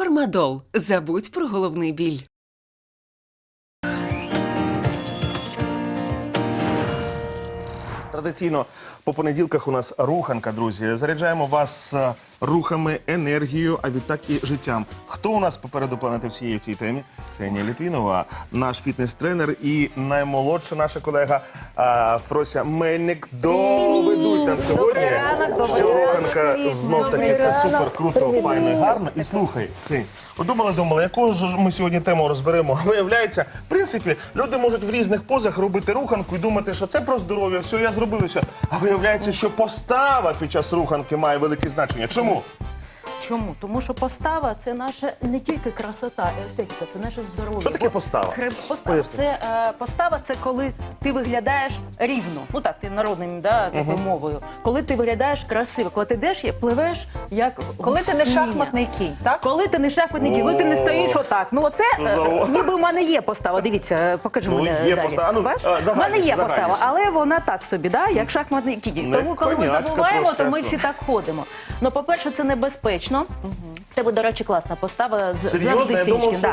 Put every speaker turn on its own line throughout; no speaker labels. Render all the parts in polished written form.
Фармадол. Забудь про головний біль.
Традиційно по понеділках у нас руханка, друзі. Заряджаємо вас рухами, енергією, а відтак і життям. Хто у нас попереду планети всієї в цій темі? Ксенія Літвінова, наш фітнес-тренер і наймолодша наша колега Фрося Мельник доведуть нам сьогодні, що руханка знов-таки це супер, круто, файно і гарно. І слухай, Ксень, думала, яку ж ми сьогодні тему розберемо. Виявляється, в принципі, люди можуть в різних позах робити руханку і думати, що це про здоров'я, все, я зробив все. А виявляється, що постава під час руханки має велике значення. Чому?
Чому? Тому що постава – це наша не тільки красота і естетика, це наше здоров'я.
Що таке постава?
Постава – це коли ти виглядаєш рівно. Ну так, ти народним, такою мовою. Коли ти виглядаєш красиво, коли ти йдеш, пливеш, як
коли ти не шахматний кінь, так?
Коли ти не шахматний кінь, коли ти не стоїш отак. Ну оце, ніби в мене є постава, дивіться, покажи мене
є
далі.
постава.
У мене є постава, але вона так собі, як шахматний кінь. Тому коли ми забуваємо, то ми всі так ходимо. Ну, по-перше, це небезпечно. В тебе, до речі, класна постава, завжди сінічки.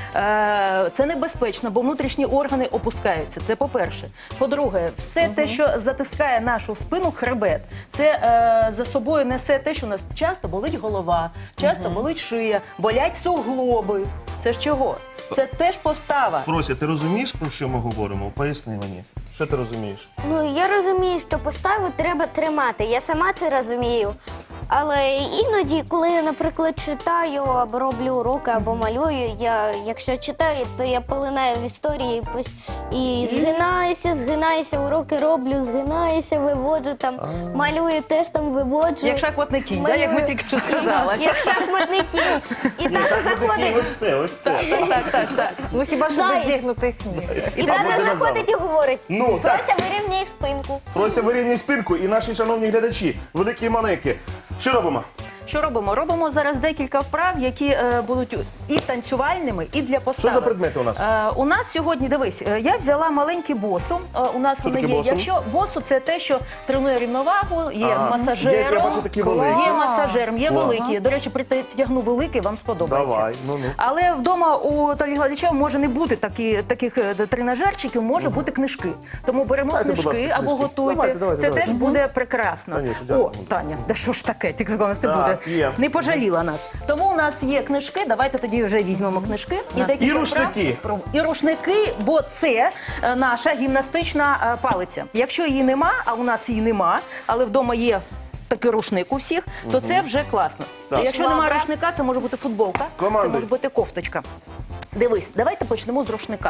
Це небезпечно, бо внутрішні органи опускаються, це по-перше. По-друге, все те, що затискає нашу спину, хребет, це за собою несе те, що у нас часто болить голова, часто болить шия, болять суглоби. Це ж чого? Це теж постава.
Фрося, ти розумієш, про що ми говоримо? Поясни мені. Що ти розумієш?
Ну, я розумію, що поставу треба тримати. Я сама це розумію. Але іноді, коли я, наприклад, читаю або роблю уроки, або малюю, якщо читаю, то я полинаю в історії і згинаюся, уроки роблю, згинаюся, виводжу там, малюю, теж там виводжу.
Як шахматний кінь, як ми тільки що сказали.
Як шахматний кінь. І тато заходить.
Ось це.
Так.
Ну хіба що без зігнутих ніг.
І тато заходить і говорить,
Ну, так.
Фрося, вирівняй спинку.
Фрося, вирівнюй спинку, і наші шановні глядачі, великі і маленькі. Що робимо?
Що робимо? Робимо зараз декілька вправ, які будуть і танцювальними, і для постави.
Що за предмети у нас?
У нас сьогодні, дивись, я взяла маленькі босу. У нас
Що
вони
таке
є.
босу?
Якщо босу – це те, що тренує рівновагу, є
Я
масажером,
бачу такі великі.
є масажером, є
Клас.
великі. До речі, притягну великий, вам сподобається.
Давай, ну.
Але вдома у телеглядачів може не бути таких тренажерчиків, може бути книжки. Тому беремо
Дайте, будь
книжки
ласка,
або
книжки.
готуйте.
Давайте.
Це теж буде прекрасно.
Танюш, дякую.
О, Таня, да що ж таке, тільки з не
Так,
буде.
є.
Не пожаліла нас. Тому у нас є книжки, давайте тоді вже візьмемо книжки.
І рушники.
І рушники, бо це наша гімнастична палиця. Якщо її нема, а у нас її нема, але вдома є такий рушник у всіх, то це вже класно.
Так.
Якщо немає рушника, це може бути футболка,
Командуй.
це може бути кофточка. Дивись, давайте почнемо з рушника.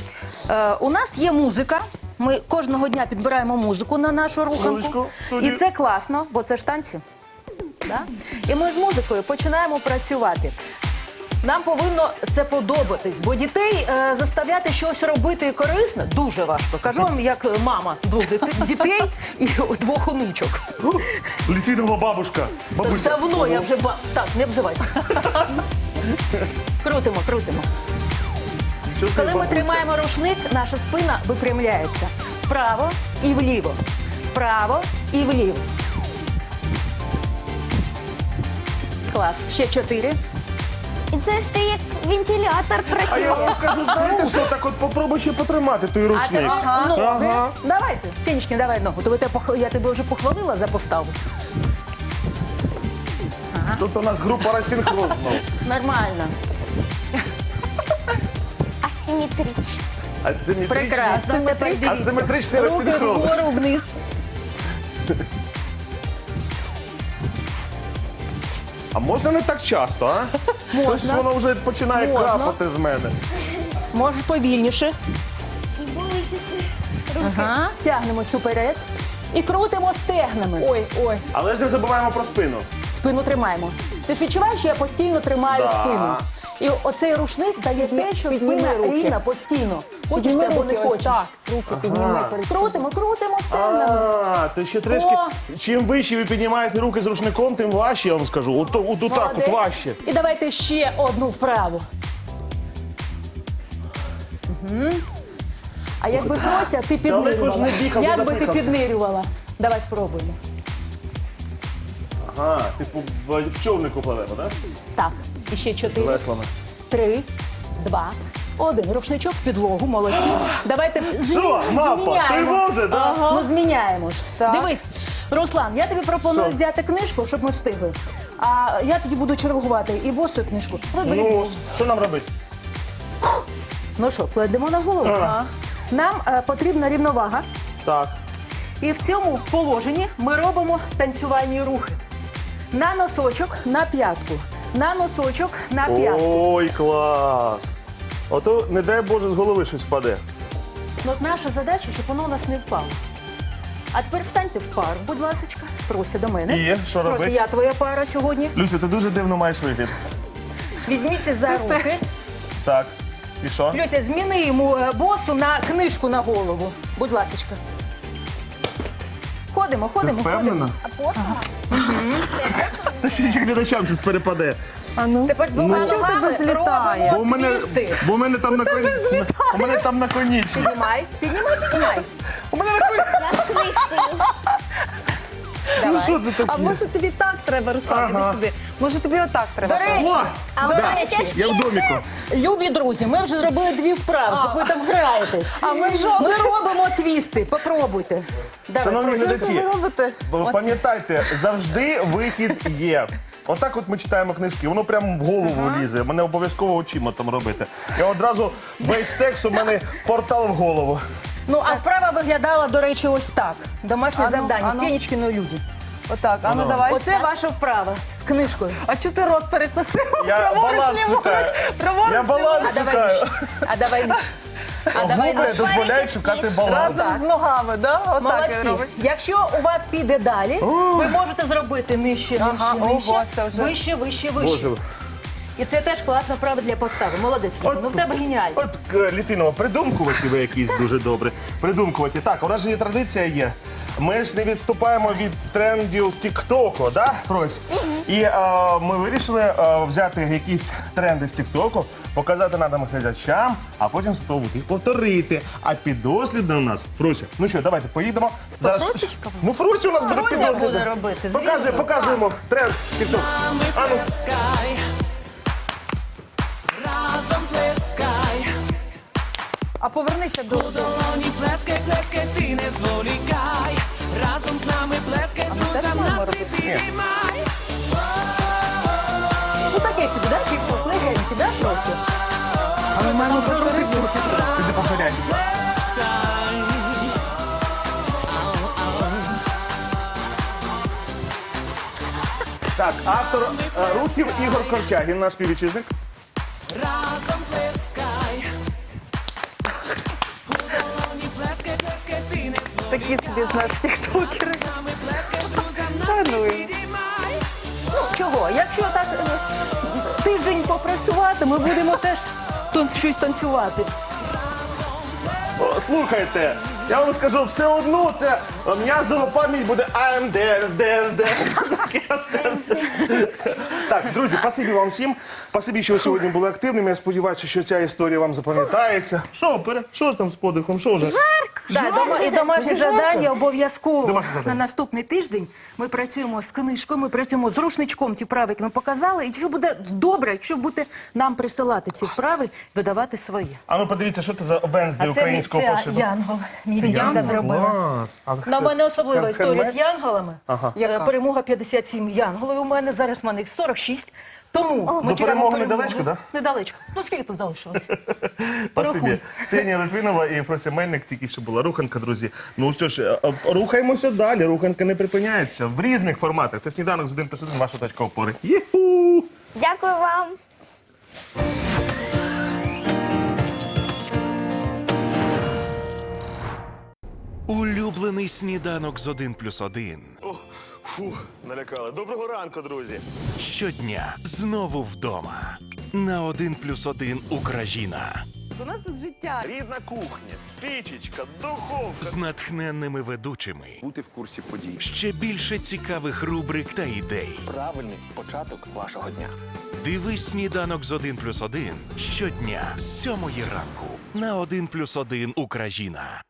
У нас є музика. Ми кожного дня підбираємо музику на нашу руханку. І це класно, бо це ж танці. Да? І ми з музикою починаємо працювати. Нам повинно це подобатись, бо дітей заставляти щось робити корисне дуже важко. Кажу вам, як мама двох дітей і двох онучок.
Літвінова бабушка. Бабуся.
Давно я вже Так, не обзивайся. Крутимо. Коли ми тримаємо рушник, наша спина випрямляється. Вправо і вліво. Вправо і вліво. Клас. Ще 4.
І це ж ти як вентилятор
А я
працює.
вам скажу, знаєте що, так от попробуй ще потримати той
А
рушник.
тепер ноги.
Ага.
Давайте, Сінечки, давай ногу. Я тебе вже похвалила за поставу.
Тут у нас група розсинхрон.
Нормально.
Асиметрично.
Прекрасно.
Асиметричний
Руки
розсинхрон.
вгору, вниз.
А можна не так часто, а?
Можна.
Щось воно вже починає
Можна.
крапати з мене.
Можеш повільніше.
І болить руки.
Ага. Тягнемось уперед. І крутимо стегнами.
Ой.
Але ж не забуваємо про спину.
Спину тримаємо. Ти ж відчуваєш, що я постійно тримаю
Да.
спину. І оцей рушник дає те, що
Підніми
спина
руки.
рівна постійно. Хочеш
Підніми
ти або не
руки, ось
хочеш.
так. Руки підніми перед собою.
Крутимо стегнами.
То ще трішки. Чим вище ви піднімаєте руки з рушником, тим важче, я вам скажу. От так от
Молодець.
важче.
І давайте ще одну вправу. А якби Фрося, ти
Далеко ж
піднирювала.
не бігав,
Як би ти
запихався.
піднирювала? Давай спробуємо.
Ага, типу в човнику пливемо, так?
Так, і ще 4,
Веслами.
3, 2, 1. Рушничок в підлогу, молодці. Давайте
Що, мапа, ти може, так?
Ну, зміняємо ж.
Так.
Дивись, Руслан, я тобі пропоную
Що?
взяти книжку, щоб ми встигли. А я тоді буду чергувати і босу і книжку. Вибери
Ну,
босу.
що нам робити?
Ну що, кладемо на голову. Нам потрібна рівновага.
Так.
І в цьому положенні ми робимо танцювальні рухи. На носочок, на п'ятку. На носочок, на п'ятку.
Ой, клас! Ото, не дай Боже, з голови щось впаде.
Ну, от наша задача, щоб воно у нас не впало. А тепер станьте в пару, будь ласочка. Фрося, до мене.
І що
Фрося,
робити?
я твоя пара сьогодні.
Люся, ти дуже дивно маєш вигляд.
Візьміться за руки.
Так. І що?
Люся, зміни йому босу на книжку на голову. Будь ласочка. Ходимо,
Ти
ходимо, ходимо.
впевнена?
А посума?
Та ще глядачам щось перепаде.
А ну.
Тепер двома
А що в
ногами
тебе злітає?
робимо твісти.
Бо в мене там у мене там наконічник.
Піднімай, піднімай.
У мене наконічник.
Я з книжкою.
Ну що це
А
таке?
може тобі так треба, Руслан, іди
Ага.
сюди. Може тобі отак треба?
До речі,
О!
А
Да,
от мене тяжкі
я в доміку.
любі друзі, ми вже зробили 2 вправи, як ви там граєтесь.
А ми жодного.
Ми робимо твісти, попробуйте. Давай,
Шановні
Фрося.
Що ви
глядачі,
робите?
пам'ятайте, завжди вихід є. Отак от ми читаємо книжки, воно прямо в голову лізе. Мене обов'язково очима там робити. Я одразу весь текст у мене портал в голову.
Ну, а вправа виглядала, до речі, ось так. Домашнє
Ану,
завдання,
ану.
Сєнічкиної люди.
Отак, а ну давай.
Оце ваша вправа з книжкою.
А чого ти рот перекосив?
Я
Праворуч,
баланс
ліворуч,
шукаю.
праворуч,
Я баланс
А давай
шукаю.
вище. А давай вище. А давай
Губи
вище.
дозволяють шукати баланс.
разом з ногами, да? Отак він
Молодці.
робить.
Якщо у вас піде далі, ви можете зробити нижче,
Ага,
нижче, нижче,
ого, це вже-
вище, вище, вище.
Боже.
І це теж класна вправа для постави. Молодець, Люба. Ну в тебе геніально.
От Літвінова, придумкуваті ви якісь дуже добре. Придумкуваті. Так, у нас же є традиція є. Ми ж не відступаємо від трендів Тіктоку, да, Фрось? І ми вирішили взяти якісь тренди з Тіктоку, показати нашим глядачам, а потім спробувати їх повторити. А підослідно у нас Фрося. Ну що, давайте поїдемо.
Фросечка?
Ну, Фрося у нас буде
Фрося
підослідна.
буде робити,
Показуємо,
звісно.
показуємо тренд Тікток. А ну.
Разом плескай,
А повернися до...
долоні плескай, плескай, ти не зволікай. Разом з нами плескай, друзям
маємо
настрій підіймай.
Ну таке собі, да? Тік-ток, легенький, да, Фрося?
А ми маємо повторити.
Піди повторяй. Так, автор рухів Ігор Корчагін, наш співвітчизник.
Разом плескай. У долоні плескай, плескай, ти не зволікай.
Такі собі з нас тіктокери.
З нами плескай, друзям
Та
настрій
ну.
підіймай.
Ну чого? Якщо так тиждень попрацювати, ми будемо теж тут щось танцювати.
О, слухайте, я вам скажу, все одно це м'язова пам'ять буде I'm dance. Так, друзі, спасибі вам всім. Спасибі, що ви сьогодні були активними. Я сподіваюся, що ця історія вам запам'ятається. Що ж там з подихом? Що вже?
І домашнє завдання обов'язково
Домашнє завдання.
на наступний тиждень. Ми працюємо з книжкою, ми працюємо з рушничком, ті вправи, які ми показали. І що буде добре, якщо будете нам присилати ці вправи, видавати свої.
А ну подивіться, що це за Венсдей
А
українського
це
пошиду.
Янгол. Мій дівчинка зробила.
Клас. А
На мене особлива
хен-
історія
хендмейд?
з янголами.
Яка?
Перемога 57 янголів у мене, зараз в мене їх 46. Тому ми
До
чекаємо
перемоги недалечко, да?
Недалечко. Ну скільки тут залишилось?
Спасибі.
Порахуй.
Ксенія Литвинова і Фрося Мельник, тільки що була руханка, друзі. Ну що ж, рухаємося далі. Руханка не припиняється в різних форматах. Це сніданок з 1+1, ваша точка опори. Єху!
Дякую вам.
Улюблений сніданок з 1+1.
Фух, налякали. Доброго ранку, друзі.
Щодня знову вдома. На 1+1 Україна.
У нас тут життя.
Рідна кухня, пічечка, духовка.
З натхненними ведучими.
Бути в курсі подій.
Ще більше цікавих рубрик та ідей.
Правильний початок вашого дня.
Дивись сніданок з 1+1 щодня з 7 ранку. На 1+1 Україна.